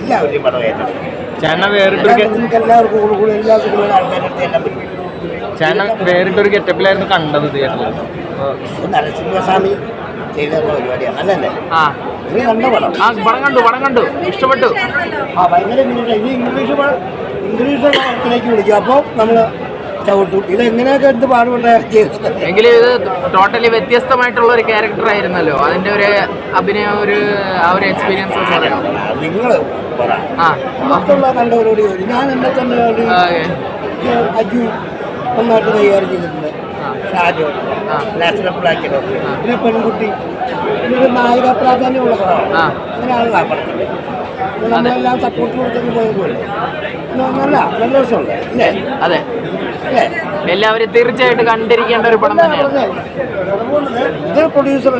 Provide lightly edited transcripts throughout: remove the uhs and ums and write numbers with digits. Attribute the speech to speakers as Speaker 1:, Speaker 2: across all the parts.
Speaker 1: എല്ലാവരുടെയും പടം ഏറ്റെടുക്കും.
Speaker 2: നിങ്ങൾക്ക് എല്ലാവർക്കും കൂടി എല്ലാ സിനിമയിലും ആൾക്കാരുടെ എല്ലാം പറ്റും.
Speaker 3: ചേട്ടൻ വേറിട്ടൊരു ഗെറ്റപ്പിലായിരുന്നു കണ്ടത് തിയേറ്ററിൽ.
Speaker 2: നരസിംഹസ്വാമി ചെയ്ത പരിപാടിയാണ് നല്ലല്ലേ?
Speaker 3: നീ കണ്ട പടം? പടം കണ്ടു, ഇഷ്ടപ്പെട്ടു.
Speaker 2: ഭയങ്കര ഇനി ഇംഗ്ലീഷ് പടത്തിലേക്ക് വിളിക്കും. അപ്പോൾ നമ്മൾ ചവിട്ടും. ഇതെങ്ങനെയൊക്കെ എന്ത് പാടുപെട്ട
Speaker 3: എങ്കിലും ഇത് ടോട്ടലി വ്യത്യസ്തമായിട്ടുള്ള ഒരു ക്യാരക്ടർ ആയിരുന്നല്ലോ. അതിന്റെ ഒരു അഭിനയം ആ ഒരു എക്സ്പീരിയൻസ്
Speaker 2: നിങ്ങൾ മറ്റുള്ള കണ്ടവരോട് ഞാൻ എന്നെ തന്നെ അജു നന്നായിട്ട് കൈകാര്യം ചെയ്തിട്ടുണ്ട്. ഷാജോ നാഷണൽ ബ്ലാക്കിലോ പിന്നെ പെൺകുട്ടി പിന്നെ നായിക പ്രാധാന്യമുള്ള പടമാണ്. അങ്ങനെയാണല്ലോ ആ പടത്തിൽ നമ്മളെല്ലാം സപ്പോർട്ട് കൊടുത്തൊക്കെ പോയപോലെ നല്ല രസമുണ്ട് അല്ലേ?
Speaker 3: അതെ, എല്ലാവരും തീർച്ചയായിട്ടും കണ്ടിരിക്കേണ്ട ഒരു പടം തന്നെയാണ്.
Speaker 2: ഇത് പ്രൊഡ്യൂസർ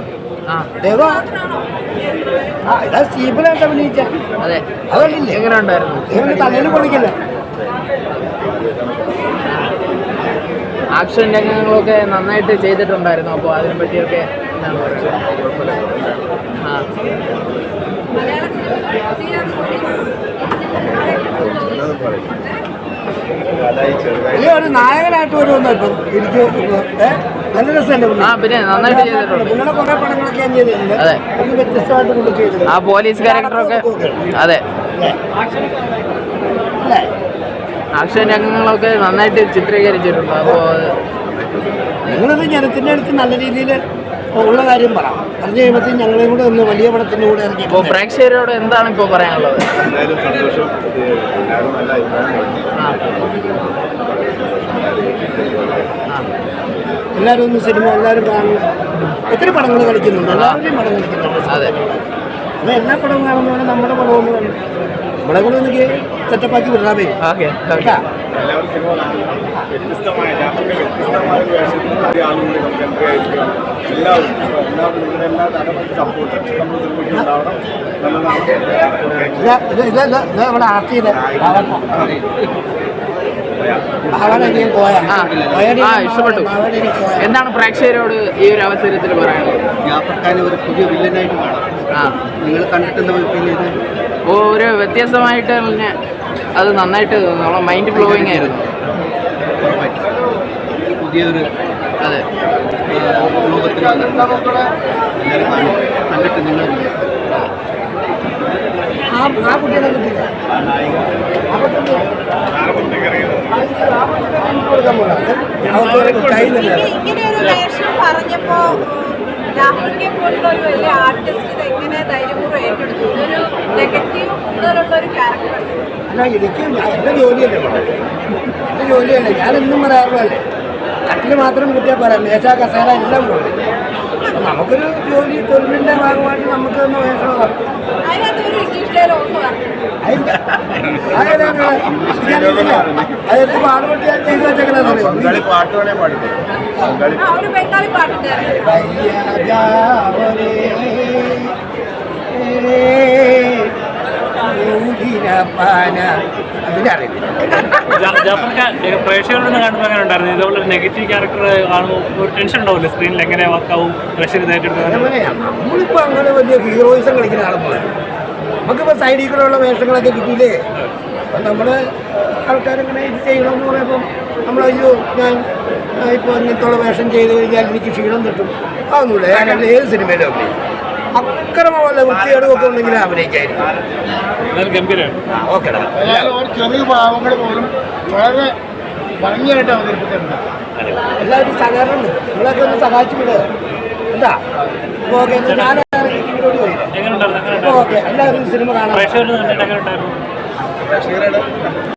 Speaker 2: ഇതാ സ്റ്റീഫനായിട്ട് അഭിനയിച്ച അതല്ലേ?
Speaker 3: എങ്ങനെ ഉണ്ടായിരുന്നു?
Speaker 2: തലയിൽ പൊളിക്കില്ല.
Speaker 3: ആക്ഷൻ രംഗങ്ങളൊക്കെ നന്നായിട്ട് ചെയ്തിട്ടുണ്ടായിരുന്നു. അപ്പോൾ അതിനെ പറ്റിയൊക്കെ എന്താണ്
Speaker 2: ഒരു നായകനായിട്ട് വരുമെന്നോ ഇപ്പം എനിക്ക് നല്ല രസമല്ലേ?
Speaker 3: പിന്നെ നന്നായിട്ട് ചെയ്തിട്ടുണ്ട്.
Speaker 2: നിങ്ങളുടെ കുറെ പടങ്ങളൊക്കെ ഞാൻ ചെയ്തിട്ടുണ്ട്. എനിക്ക് വ്യത്യസ്തമായിട്ട് കൊണ്ട് ചെയ്തിട്ടുണ്ട്.
Speaker 3: ആ പോലീസ് ക്യാരക്ടറൊക്കെ അതെ ആക്ഷൻ രംഗങ്ങളൊക്കെ നന്നായിട്ട് ചിത്രീകരിച്ചിട്ടുണ്ട്. അപ്പോൾ
Speaker 2: നിങ്ങളിത് ജനത്തിൻ്റെ അടുത്ത് നല്ല രീതിയിൽ ഉള്ള കാര്യം പറഞ്ഞു കഴിയുമ്പോഴത്തേക്കും ഞങ്ങളെയും കൂടെ ഒന്ന് വലിയ പടത്തിൻ്റെ കൂടെ ഇറങ്ങി.
Speaker 3: ഇപ്പോൾ പ്രേക്ഷകരോട് എന്താണ് ഇപ്പോൾ പറയാനുള്ളത്? എല്ലാവരും ഒന്ന് സിനിമ എല്ലാവരും കാണണം. ഒത്തിരി പടങ്ങൾ കളിക്കുന്നുണ്ട്, എല്ലാവരുടെയും പടം കളിക്കുന്നുണ്ട്. അതെ, അപ്പോൾ എല്ലാ പടവും കാണുന്നവരെ നമ്മുടെ പടം ഒന്ന് കണ്ടു നമ്മളെ കൂടെ ഒന്ന് സെറ്റപ്പാക്കി വിടാമേ. ഇവിടെ ആർട്ടിയിലെ ഇഷ്ടപ്പെട്ടു. എന്താണ് പ്രേക്ഷകരോട് ഈ ഒരു അവസരത്തിൽ പറയാനുള്ളത്?
Speaker 2: ജാഫർ ഖാനെ ഒരു പുതിയ വില്ലനായിട്ട് കാണാം. നിങ്ങൾ കണ്ടിട്ടുള്ള
Speaker 3: ഒരു വ്യത്യസ്തമായിട്ട് തന്നെ അത് നന്നായിട്ട് നമ്മളെ മൈൻഡ് ബ്ലോയിങ് ആയിരുന്നു.
Speaker 2: പുതിയൊരു
Speaker 3: അതെ
Speaker 2: ലോകത്തിൽ കണ്ടിട്ട് നിങ്ങൾ
Speaker 4: ഇങ്ങനെയൊരു വേഷം പറഞ്ഞപ്പോ ജാഫറിനെ പോലുള്ള ഒരു വലിയ ആർട്ടിസ്റ്റ് എങ്ങനെ ധൈര്യപൂർവ്വം ഏറ്റെടുത്തു? ഇതൊരു നെഗറ്റീവ് കൂടുതലുള്ള ഒരു ക്യാരക്ടർ
Speaker 2: അല്ല. എനിക്ക് എൻ്റെ ജോലിയല്ലേ എൻ്റെ ജോലിയല്ലേ ഞാനെന്നും പറയാറുള്ളതല്ലേ. കട്ടിൽ മാത്രം കിട്ടിയാൽ പറയാം, മേശ കസേര എല്ലാം പോകും. അപ്പം നമുക്കൊരു ജോലി തൊഴിലിൻ്റെ ഭാഗമായിട്ട് നമുക്ക് ഒന്ന് വേഷമാണ്. അതെടുത്ത് പാടുപെട്ടി ഞാൻ ചെയ്തു വെച്ചേക്കണേ.
Speaker 5: പ്രേക്ഷകരോട് കാണുമ്പോൾ അങ്ങനെ ഉണ്ടായിരുന്നു? ഇതുപോലെ നെഗറ്റീവ് ക്യാരക്ടർ കാണുമ്പോൾ ഒരു ടെൻഷൻ ഉണ്ടാവില്ല സ്ക്രീനിൽ? എങ്ങനെ വർക്കാവും പ്രേക്ഷകർ ഇതായിട്ട്?
Speaker 2: നമ്മളിപ്പോൾ അങ്ങനെ വലിയ ഹീറോയിസം കളിക്കുന്ന ആളുമ്പോൾ നമുക്കിപ്പോൾ സൈഡിൽ കൂടെയുള്ള വേഷങ്ങളൊക്കെ കിട്ടിയില്ലേ? അപ്പം നമ്മുടെ ആൾക്കാരിങ്ങനെ ഇത് ചെയ്യണമെന്ന് പറയുമ്പം നമ്മളയ്യോ ഞാൻ ഇപ്പോൾ ഇങ്ങനത്തുള്ള വേഷം ചെയ്ത് കഴിഞ്ഞാൽ എനിക്ക് ക്ഷീണം കിട്ടും അതൊന്നുമില്ല. ഞാനല്ല ഏത് സിനിമയിലും അഭിനയിക്കും. അക്രമമല്ല വൃത്തികേടുമൊക്കെ ഉണ്ടെങ്കിൽ അഭിനയിക്കായിരിക്കും. ഓക്കെടാ. ചെറിയ ഭാവങ്ങൾ പോലും വളരെ ഭംഗിയായിട്ട് അവതരിപ്പിച്ചിട്ടുണ്ട്. എല്ലാവരും സഹകരണം നിങ്ങളൊക്കെ ഒന്ന് സഹായിച്ചു വിടുക എന്താ? ഓക്കെ, ഞാൻ ഓക്കെ എല്ലാവരും സിനിമ കാണാൻ